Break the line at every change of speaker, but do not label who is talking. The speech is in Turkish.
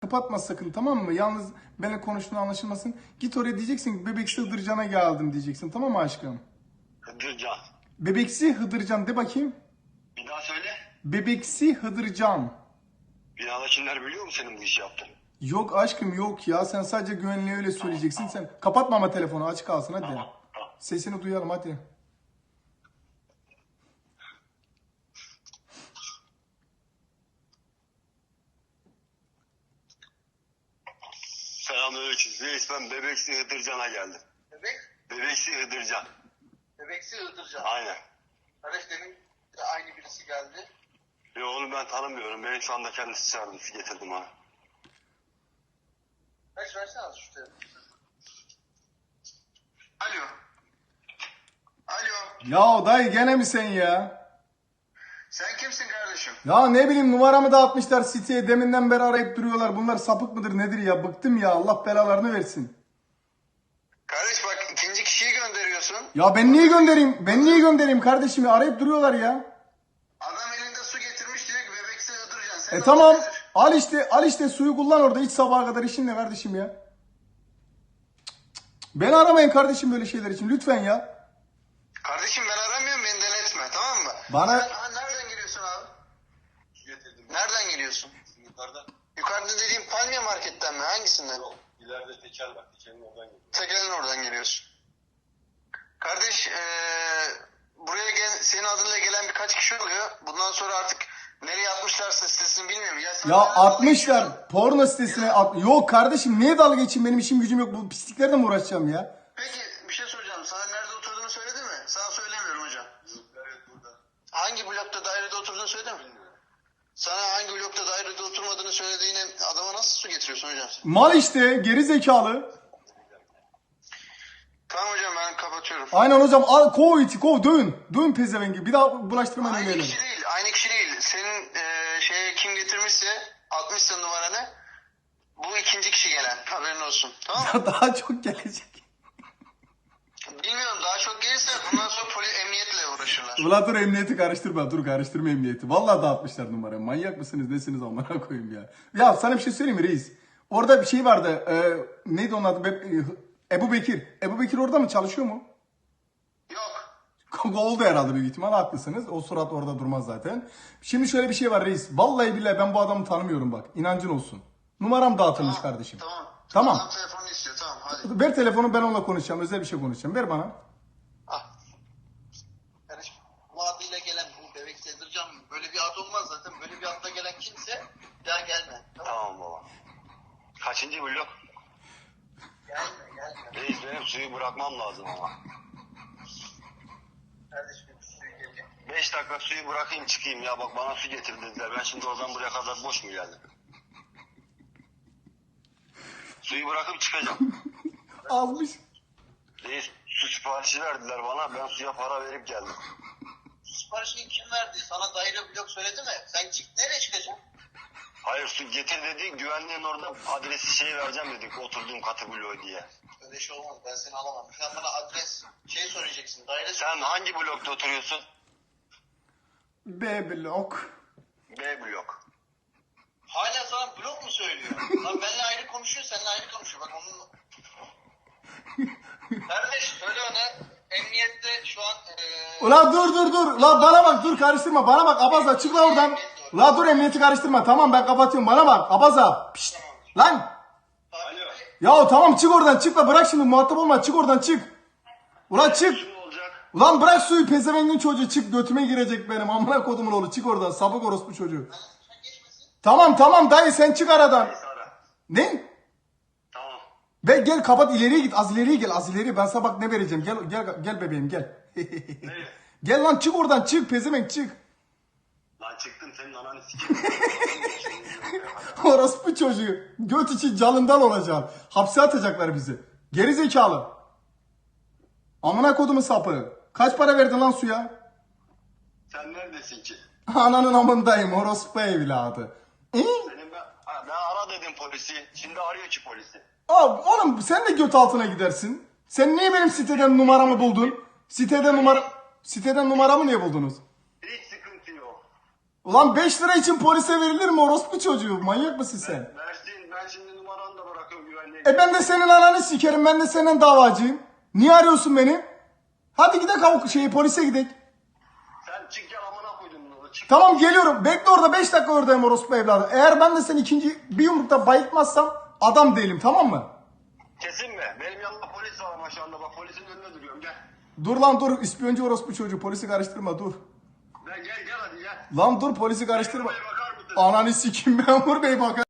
Kapatma sakın, tamam mı? Yalnız benimle konuştuğun anlaşılmasın. Git oraya, diyeceksin ki Bebeksi Hıdırcan'a geldim diyeceksin, tamam mı aşkım?
Hıdırcan.
Bebeksi Hıdırcan de bakayım.
Bir daha söyle.
Bebeksi Hıdırcan.
Binadakiler biliyor mu senin bu işi yaptığını?
Yok aşkım, yok ya, sen sadece güvenliğe öyle söyleyeceksin. Sen kapatma ama telefonu, açık kalsın hadi.
Tamam.
Sesini duyalım hadi.
Selamünaleyküm. Reis, ben Bebeksi Hıdırcan'a geldim.
Bebek,
Bebeksi Hıdırcan.
bebeksi Iğdırcan.
Aynen.
Kardeş demin de aynı birisi geldi.
Yo, onu ben tanımıyorum. Benim şu anda kendisi çağırdı. Getirdim ona.
Kaç versene az şu telefonu. Alo. Alo.
Ya dayı gene mi sen ya?
Sen kimsin kardeşim?
Ya ne bileyim, numaramı da atmışlar siteye, deminden beri arayıp duruyorlar. Bunlar sapık mıdır nedir ya, bıktım ya, Allah belalarını versin.
Kardeş bak, ikinci kişiyi gönderiyorsun.
Ya ben niye göndereyim? Ben niye göndereyim kardeşim ya? Arayıp duruyorlar ya.
Adam elinde su getirmiş diyor ki bebeksi Iğdırcan. Sen
Tamam. Al işte suyu kullan orada, iç sabaha kadar, işin ne kardeşim ya? Beni aramayın kardeşim böyle şeyler için lütfen ya.
Kardeşim ben aramıyorum, beni denetme, tamam mı?
Bana-
Sen nereden geliyorsun abi?
Getirdim.
Nereden geliyorsun?
Yukarıdan.
Yukarıda dediğim Palmiye Market'ten mi? Hangisinden?
İleride tekel var. Tekelin oradan geliyor.
Tekel'in oradan geliyorsun. Kardeş buraya senin adınla gelen birkaç kişi oluyor. Bundan sonra artık nereye atmışlarsa sitesini bilmiyorum. Sen
Ya
nereden dalga geçiyorsun?
atmışlar porno sitesine Yok kardeşim, niye dalga geçeyim, benim işim gücüm yok, bu pisliklerle mi uğraşacağım ya?
Peki bir şey soracağım. Sana nerede oturduğunu söyledi mi? Sana söylemiyorum hocam.
Evet, burada.
Hangi blokta dairede oturduğunu söyledi mi? Sana hangi blokta dairede oturmadığını söylediğine adama nasıl su getiriyorsun hocam?
Mal işte, geri zekalı.
Tamam hocam ben kapatıyorum.
Aynen hocam, al, kov iti kov, dövün. Dövün pezevengi, bir daha bulaştırmayın
Aynı
öyle.
kişi değil. Aynı kişi değil. Senin şeye kim getirmişse 60'sın numaranı. Bu ikinci kişi gelen. Haberin olsun. Tamam mı?
Daha çok gelecek.
Bilmiyorum daha çok gelirse bundan sonra emniyetle uğraşırlar.
Ulan dur, emniyeti karıştırma, dur karıştırma emniyeti. Vallahi dağıtmışlar numarayı. Manyak mısınız nesiniz amına koyayım ya. Ya sana bir şey söyleyeyim mi reis? Orada bir şey vardı. Neydi onun adı? Ebu Bekir. Ebu Bekir orada mı, çalışıyor mu?
Yok.
Oldu herhalde, büyük ihtimal haklısınız. O surat orada durmaz zaten. Şimdi şöyle bir şey var reis. Vallahi billahi ben bu adamı tanımıyorum bak. İnancın olsun. Numaram dağıtılmış kardeşim.
Tamam.
Tamam.
Adam telefonunu istiyor. Tamam hadi.
Ver telefonu, ben onunla konuşacağım. Özel bir şey konuşacağım. Ver bana.
Al. Kardeşim bu adıyla gelen bu bebek Sedircan böyle bir ad olmaz zaten. Böyle bir adla gelen kimse bir daha gelme. Tamam.
Tamam baba. Kaçıncı blok?
Gelme.
Reis, benim suyu bırakmam lazım ama.
Kardeşim bir suyu gelecek.
5 dakika suyu bırakayım çıkayım ya, bak bana su getir dediler. Ben şimdi oradan buraya kadar boş mu geldim? Suyu bırakıp çıkacağım.
Almış.
Reis, su siparişi verdiler bana, ben suya para verip geldim.
Siparişini kim verdi? Sana daire blok söyledi mi? Sen nereye çıkacaksın?
Hayır, su getir dedi, güvenliğin orada adresi vereceğim dedik, oturduğum katı bloğu diye.
Öyle şey olmaz. Ben seni alamam. Sen bana adres söyleyeceksin. Daire
Sen hangi blokta oturuyorsun?
B blok.
B blok.
Hala sana blok mu söylüyor? Lan benimle ayrı konuşuyor, seninle ayrı konuşuyor. Bak onun... Kardeş söyle ona. Emniyette şu an...
Ulan dur. La bana bak, dur karıştırma. Bana bak Abaza, çık la oradan. La dur, emniyeti karıştırma. Tamam ben kapatıyorum. Bana bak Abaza. Pişt. Lan.
Alo.
Ya tamam, çık oradan, çık la, bırak şimdi, muhatap olma, çık oradan, çık. Ulan çık.
Su olacak.
Ulan bırak suyu, pezevengin çocuğu, çık, götüme girecek benim amına kodumun oğlu, çık oradan, sapık orospu çocuğu. Tamam dayı, sen çık aradan.
Neyse, ara.
Ne?
Tamam.
Gel kapat, ileriye git, az ileriye gel, az ileriye, ben sana bak ne vereceğim, gel bebeğim gel.
Nereye?
Gel lan, çık oradan, çık pezevenk, çık.
Lan çıktım, senin ananı sikeyim.
Orospu çocuğu, göt için canından olacaksın, hapse atacaklar bizi. Geri zekalı. Amına kodumun sapı. Kaç para verdin lan suya?
Sen neredesin ki?
Ananın amındayım, orospu evladı.
Senin ben ara dedim polisi. Şimdi arıyor ki polisi.
Abi oğlum, sen de göt altına gidersin. Sen niye benim siteden numaramı buldun? Siteden numaramı niye buldunuz?
Hiç sıkıntı yok.
Ulan 5 lira için polise verilir mi orospu çocuğu? Manyak mısın sen?
Versin, ben Ben şimdi numaranı da bırakıyorum güvenliğe.
Ben de senin ananı sikerim. Ben de senin davacıyım. Niye arıyorsun beni? Hadi gidelim polise gidelim.
Sen çık gel amına koydum bunu. Çık.
Tamam geliyorum. Bekle orada 5 dakika oradayım orospu evladı. Eğer ben de seni ikinci bir yumrukta bayıltmazsam adam değilim, tamam mı?
Kesin mi? Benim yanımda polis var ama şu anda bak polisin önünde duruyorum gel.
Dur lan dur. İspiyoncu orospu çocuğu. Polisi karıştırma dur.
Gel hadi gel.
Lan dur polisi karıştırma.
Memur bey bakar mısın?
Ananı sikeyim memur bey bakar.